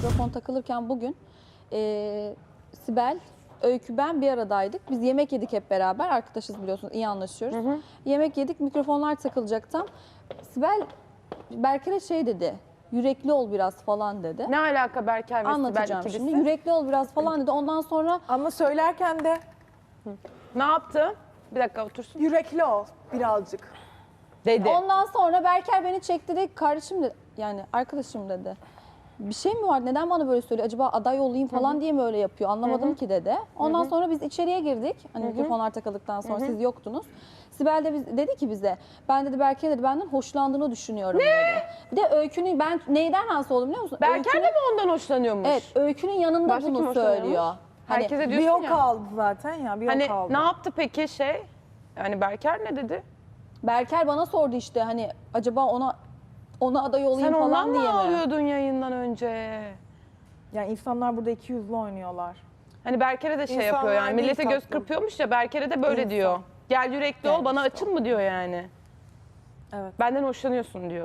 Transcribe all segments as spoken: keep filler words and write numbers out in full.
mikrofon takılırken bugün e, Sibel, Öykü, ben bir aradaydık. Biz yemek yedik hep beraber. Arkadaşız biliyorsunuz, iyi anlaşıyoruz. Hı hı. Yemek yedik, mikrofonlar takılacak tam. Sibel, Berker'e şey dedi, yürekli ol biraz falan dedi. Ne alaka Berker ve Sibel Anlatacağım ikilisi? şimdi. Yürekli ol biraz falan dedi. Ondan sonra... Ama söylerken de Ne yaptı? Bir dakika otursun. yürekli ol birazcık. Dedi. Ondan sonra Berker beni çekti dedi, kardeşim dedi, yani arkadaşım dedi. Bir şey mi var? Neden bana böyle söylüyor? Acaba aday olayım falan Hı -hı. diye mi öyle yapıyor? Anlamadım Hı -hı. ki dedi. Ondan Hı -hı. sonra biz içeriye girdik. Hani Hı -hı. mikrofonlar takıldıktan sonra Hı -hı. siz yoktunuz. Sibel de biz, dedi ki bize, ben dedi Berker dedi benden hoşlandığını düşünüyorum ne? dedi. Bir de Öykü'nün, ben neyden rahatsız oldum biliyor musun? Berker de mi ondan hoşlanıyormuş? Evet, Öykü'nün yanında Başka bunu söylüyor. Hani, herkese bir diyorsun o ya. kaldı zaten ya, bir hani o kaldı. ne yaptı peki şey? Yani Berker ne dedi? Berker bana sordu işte hani acaba ona ona aday olayım Sen falan diye mi? Sen ondan mı ağlıyordun yayından önce? Yani insanlar burada iki yüzlü oynuyorlar. Hani Berker'e de şey İnsanlar yapıyor yani, değil millete göz tatlım. kırpıyormuş ya, Berker'e de böyle İnsan. diyor. Gel yürekli ol, bana işte açın mı diyor yani. Evet. Benden hoşlanıyorsun diyor.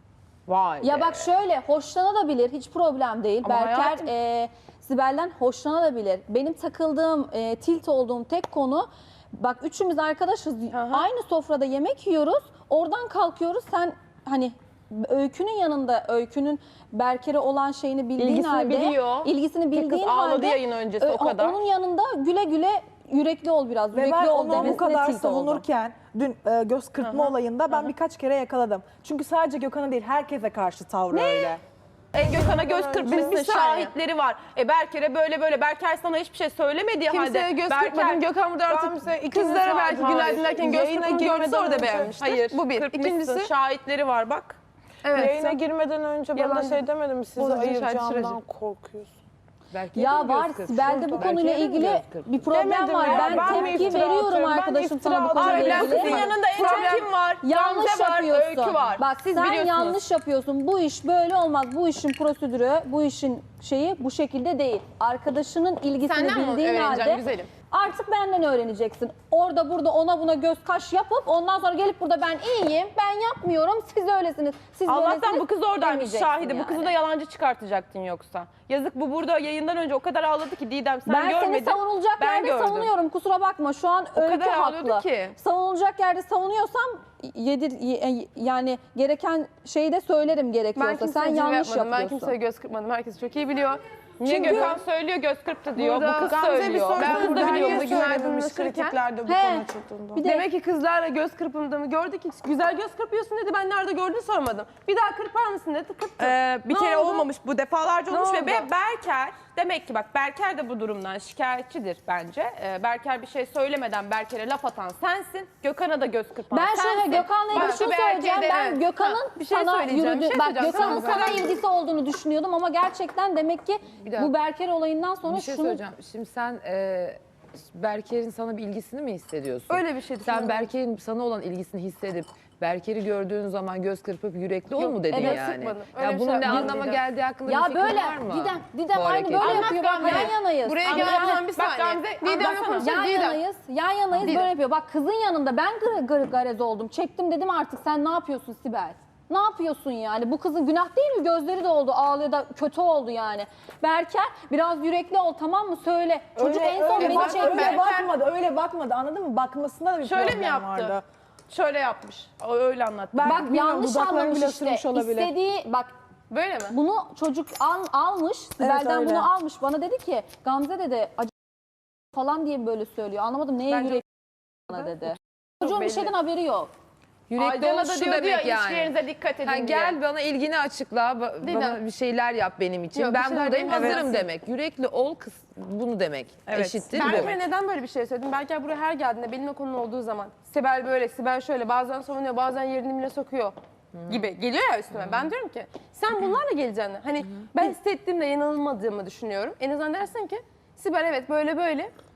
Vay Ya be. bak şöyle, hoşlanabilir, hiç problem değil. Ama Berker hayatım... e, Sibel'den hoşlanabilir. Benim takıldığım, e, tilt olduğum tek konu, bak üçümüz arkadaşız, Aha. aynı sofrada yemek yiyoruz, oradan kalkıyoruz, sen hani Öykü'nün yanında, Öykü'nün Berker'e olan şeyini bildiğin İlgisini halde, biliyor. ilgisini bildiğin kız halde, ağladı yayın öncesi, o kadar. Onun yanında güle güle yürekli ol biraz, Ve yürekli ben ol onu bu demesine kadar tilt oldum. savunurken dün e, göz kırpma Aha. olayında ben Aha. birkaç kere yakaladım. Çünkü sadece Gökhan'a değil, herkese karşı tavrı öyle. E Gökhan'a göz kırpmışsın, Bir saniye. şahitleri var. E Berker'e böyle böyle, Berker sana hiçbir şey söylemediği halde. Kimseye göz Berker, kırpmadın. Gökhan burada artık Gamze, ikiniz kızlara belki hayır. günaydın derken göz Yayına kırpını girmeden gördüyse orada önce- beğenmiştir. Hayır, Bu bir. kırpmışsın, İkincisi, şahitleri var bak. evet. Yayına girmeden önce bana Yalan. şey demedim mi, sizi Bozacı ayıracağımdan şahit korkuyorsun. Belki Ya var, Sibel'de bu konuyla ilgili bir problem Demedim var. ya, Ben, ben mi tepki iftira veriyorum atıyorum? Ben arkadaşım iftira sana bu konuyla atıyorum. ilgili. Kızın yanında en çok kim var? Yanlış Gamze var, yapıyorsun. Öykü var. Bak Siz sen biliyorsunuz. yanlış yapıyorsun. Bu iş böyle olmaz. Bu işin prosedürü, bu işin şeyi bu şekilde değil. Arkadaşının ilgisini Senden mi bildiğin öğreneceğim halde güzelim? artık benden öğreneceksin. Orada burada ona buna göz kaş yapıp ondan sonra gelip burada ben iyiyim, ben yapmıyorum, siz öylesiniz, siz Allah'tan böylesiniz bu kız oradaymış, demeyeceksin şahidi. yani. Bu kızı da yalancı çıkartacaktın yoksa. Yazık, bu burada yayından önce o kadar ağladı ki Didem, sen Ben görmedin. seni savunulacak ben yerde gördüm. savunuyorum. Kusura bakma. Şu an O Öykü kadar ağlıyordu haklı. ki. Savunulacak yerde savunuyorsam yedir y- yani gereken şeyi de söylerim Ben gerekiyorsa. kimseye Sen cilve yanlış yapmadım. Ben yapıyorsun. kimseye göz kırpmadım. Herkes çok iyi biliyor. Niye Çünkü- Gökhan söylüyor göz kırptı diyor, Burada bu kız Gamze bir söylüyor. soru- Ben Ben kız da burada biliyorum. niye Niye söylememiş söylememiş kritiklerde kritiklerde bu He. konu çıktığında? Bir de Demek ki kızlarla göz kırpındığımı gördü ki güzel göz kırpıyorsun dedi. Ben nerede gördüğünü sormadım. Bir daha kırpar mısın dedi. Kırptım. Ee, bir Ne kere oldu? olmamış bu, defalarca Ne olmuş ve oldu? Be- Berker demek ki bak, Berker de bu durumdan şikayetçidir bence. Ee, Berker bir şey söylemeden Berker'e laf atan sensin, Gökhan'a da göz kırpan ben sensin. şöyle Gökhan'la ilgili Başka şunu bir söyleyeceğim. erkeğe de- Ben Gökhan'ın Ha, bir şey sana söyleyeceğim, yürüdü. bir şey Bak söyleyeceğim. Gökhan'ın Sana sana kadar- ilgisi olduğunu düşünüyordum ama gerçekten demek ki dakika. bu Berker olayından sonra Bir şey şunu söyleyeceğim. Şimdi sen e, Berker'in sana bir ilgisini mi hissediyorsun? Öyle bir şey Sen düşünüyorum. Berker'in sana olan ilgisini hissedip Berker'i gördüğün zaman göz kırpıp yürekli ol Yok, mu dedin evet, yani? sıkmadım. Öyle Ya bir bunun şey ne yapmadım anlama Didem. geldiği hakkında ya bir fikrin böyle var mı? Didem, Didem bu aynı hareketin? böyle Anlat yapıyor. Bak Gamze. yan yanayız. Buraya Anlat- gelmeden bir Bak saniye. Gamze, Didem'le anlatsana. konuşalım. Yan Didem. yanayız, yan yanayız Didem. böyle yapıyor. Bak kızın yanında ben gır gır garez oldum. Çektim dedim artık sen ne yapıyorsun Sibel? Ne yapıyorsun yani? Bu kızın günah değil mi? Gözleri de oldu, ağlıyor da kötü oldu yani. Berker biraz yürekli ol tamam mı? Söyle. Çocuk Öyle- en son öyle beni bak- çekti. Öyle bakmadı, öyle bakmadı, anladın mı? Bakmasında da bir Şöyle problem mi yaptı? vardı. Şöyle yapmış, o öyle anlattı. Ben Bak bilmiyorum, yanlış dudaklarını anlamış bile işte. ısırmış olabilir. İstediği bak Böyle mi? bunu çocuk al, almış. Sibel'den öyle. bunu almış. Bana dedi ki Gamze dedi acı falan diye böyle söylüyor. Anlamadım neye Bence- yürekli bana dedi. Çocuğun bir belli. şeyden haberi yok. Yürekli Aydın'a ol da şu diyordu ya, demek yani. ilişkilerinize dikkat edin Ha, diye. gel bana ilgini açıkla, ba- Didem. bana bir şeyler yap benim için. Yok, bir ben şeyler buradayım, benim hazırım için. demek. Yürekli ol kız, bunu demek. Evet. Eşittir bu. Berker'e neden böyle bir şey söyledim? Berker buraya her geldiğinde benimle konu olduğu zaman Sibel böyle, Sibel şöyle bazen savunuyor, bazen yerini dibine sokuyor gibi geliyor ya üstüme. Ben diyorum ki sen bunlarla geleceğini, hani ben hissettiğimde yanılmadığımı düşünüyorum. En azından dersin ki Sibel evet böyle böyle,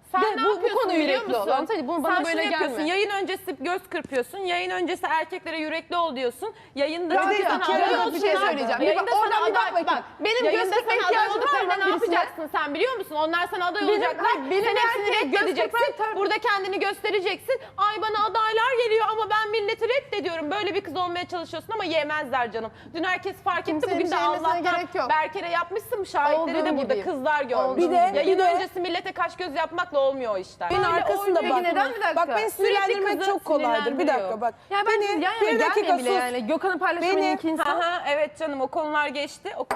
Sen Ve ne bu- bu yapıyorsun konu biliyor yürekli ol. musun? Anlatayım, bunu bana Sen böyle şunu yapıyorsun. gelme. Yayın öncesi göz kırpıyorsun. Yayın öncesi erkeklere yürekli ol diyorsun. Yayında Ya çünkü bir de sana iki aday arada bir olduklarında- şey söyleyeceğim. Yayında Bir bak, sana oradan bir bak aday bakayım. bak. Benim Yayında göz kırpma sana aday ihtiyacım var olduklarında mı ne birisine? yapacaksın sen biliyor musun? Onlar sana aday Benim- olacaklar. hayır, benim Sen hepsini erkek göz reddedeceksin. kırpan- Burada kendini göstereceksin. Ay bana adaylar geliyor ama ben milleti reddediyorum. Böyle bir kız olmaya çalışıyorsun ama yemezler canım. Dün herkes fark etti. Kimsenin Bugün bir de şey yemesine Allah'tan gerek yok. Berker'e yapmışsın. Şahitleri de Olduğum burada gibiyim. kızlar görmüş. Bir de- Yayın bir de- öncesi millete kaş göz yapmakla olmuyor o işler. Benim arkasında oynuyor. bak. Neden bir dakika? Bak beni sinirlendirmek Sürekli çok kızı kolaydır. Bir dakika sinirlendiriyor. bak. Ya ben beni yan yana bir dakika gelme bile sus. yani. Gökhan'ın paylaşımı Beni- iki insan. Aha, evet canım o konular geçti. O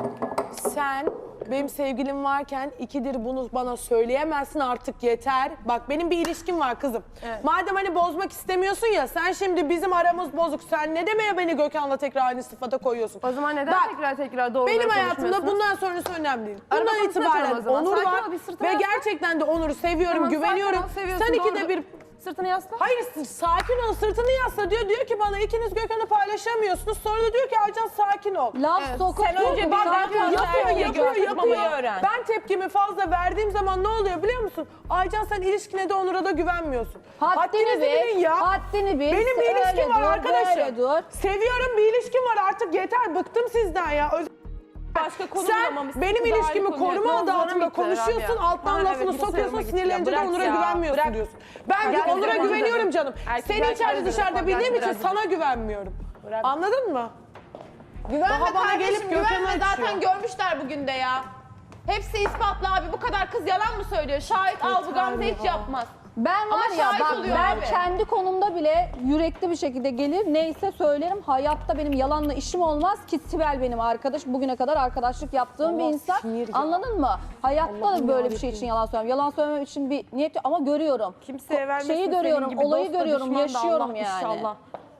Sen benim sevgilim varken ikidir bunu bana söyleyemezsin, artık yeter. Bak benim bir ilişkim var kızım. Madem hani bozmak istemiyorsun ya, sen şimdi bizim aramız bozuk. Sen ne demeye beni Gökhan'la tekrar aynı sıfata koyuyorsun? O zaman neden Bak, tekrar tekrar doğruları benim hayatımda konuşmuyorsunuz? bundan sonrası önemli değil. Araba Bundan konusuna itibaren açalım o zaman. Onur Sakin var ol, bir sırtına ve yaslan. gerçekten de Onur'u seviyorum, Tamam, güveniyorum. sakin ol, seviyorsun, Sen ikide doğru. bir... Sırtını yasla. Hayır sakin ol, sırtını yasla diyor. Diyor ki bana ikiniz Gökhan'ı paylaşamıyorsunuz. Sonra da diyor ki Aycan sakin ol. Laf sokup Sen önce bir Bak, daha yapıyor, fazla Yapıyor, erkeğe yapıyor, göz kırpmamayı yapıyor. öğren. Ben tepkimi fazla verdiğim zaman ne oluyor biliyor musun? Aycan sen ilişkine de Onur'a da güvenmiyorsun. Haddini bil, bilin ya. haddini bil. Benim bir ilişkim Öyle var dur, arkadaşım. böyle dur. Seviyorum, bir ilişkim var, artık yeter. Bıktım sizden ya. Öz- Başka konu Sen bulamamışsın. benim Daha ilişkimi iyi konuya- koruma adı Yolculuğuna altında gittiler abi konuşuyorsun, ya. alttan Ha, lafını evet, bir sokuyorsun, soruma gittiler. sinirlenince de Bırak Onur'a ya, güvenmiyorsun bırak. diyorsun. Ben Gel Onur'a bize güveniyorum konuşalım. canım. Erkekler Seni içeride kendine dışarıda bak, bildiğim gel için biraz. sana güvenmiyorum. Anladın mı? Güvenme Daha bana kardeşim, gelip Gökhan'ı güvenme. Zaten açıyor. görmüşler bugün de ya. Hepsi ispatlı abi. Bu kadar kız yalan mı söylüyor? Şahit al, bu Gamze hiç yapmaz. Ben Ama var ya şahit bak oluyor ben abi. kendi konumda bile yürekli bir şekilde gelir neyse söylerim. Hayatta benim yalanla işim olmaz ki Sibel benim arkadaş. Bugüne kadar arkadaşlık yaptığım bir insan. sinir ya. Anladın mı? Hayatta Allah'ım da böyle bir şey yarabbim. için yalan söylemem. Yalan söylemem için bir niyet yok ama görüyorum. Kimseye Ko- vermesin Şeyi senin görüyorum, gibi olayı dost da görüyorum, düşman da yaşıyorum Allah yani. inşallah.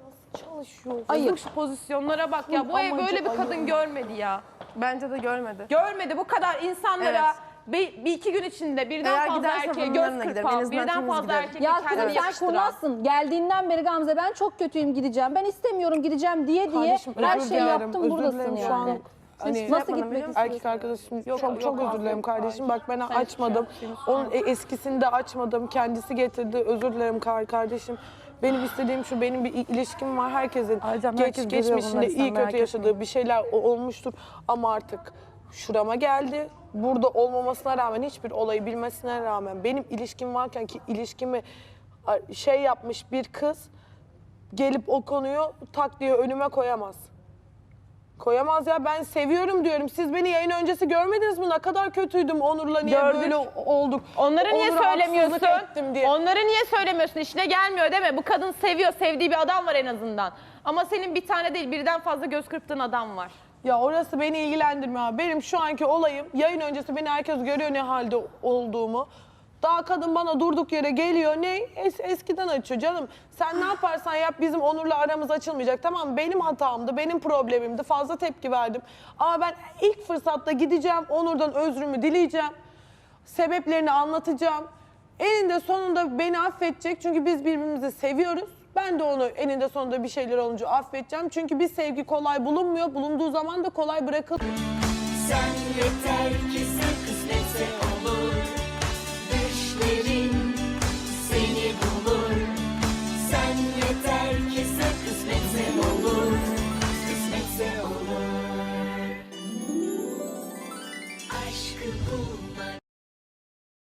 Ayıp. Yazık şu pozisyonlara bak ya. Bu ev böyle bir kadın görmedi ya. Bence de görmedi. Görmedi bu kadar insanlara Evet. bir, bir iki gün içinde birden Eğer fazla gidersem erkeğe onun göz yanına giderim. En kırpan, azından birden temiz fazla giderim. erkekle Ya kendini kızım sen yakıştıran. kurnazsın. Geldiğinden beri Gamze ben çok kötüyüm gideceğim. Ben istemiyorum gideceğim diye diye Kardeşim, her özür şeyi dilerim, yaptım özür buradasın dilerim yani. şu an. Hani Nasıl gitmek erkek arkadaşım çok çok özür dilerim kardeşim. Bak ben açmadım. Onun e- eskisini de açmadım. Kendisi getirdi. Özür dilerim kar kardeşim. Benim istediğim şu, benim bir ilişkim var. Herkesin Aycan, geç herkes görüyor geçmişinde bunları, sen iyi merak kötü etme. yaşadığı bir şeyler o- olmuştur. Ama artık şurama geldi. Burada olmamasına rağmen, hiçbir olayı bilmesine rağmen benim ilişkim varken ki ilişkimi a, şey yapmış bir kız gelip o konuyu tak diye önüme koyamaz. Koyamaz ya, ben seviyorum diyorum. Siz beni yayın öncesi görmediniz mi? Ne kadar kötüydüm Onur'la, niye Gördük. böyle olduk. Onları niye Onur'a söylemiyorsun? haksızlık ettim diye. Onları niye söylemiyorsun? İşine gelmiyor değil mi? Bu kadın seviyor, sevdiği bir adam var en azından. Ama senin bir tane değil, birden fazla göz kırptığın adam var. Ya orası beni ilgilendirmiyor abi. Benim şu anki olayım, yayın öncesi beni herkes görüyor ne halde olduğumu. Daha kadın bana durduk yere geliyor. Ne? Es- eskiden açıyor canım. Sen ne yaparsan yap, bizim Onur'la aramız açılmayacak. Tamam, benim hatamdı, benim problemimdi. Fazla tepki verdim. Ama ben ilk fırsatta gideceğim, Onur'dan özrümü dileyeceğim. Sebeplerini anlatacağım. Eninde sonunda beni affedecek. Çünkü biz birbirimizi seviyoruz. Ben de onu eninde sonunda bir şeyler olunca affedeceğim. Çünkü bir sevgi kolay bulunmuyor. Bulunduğu zaman da kolay bırakılmıyor. Sen yeter ki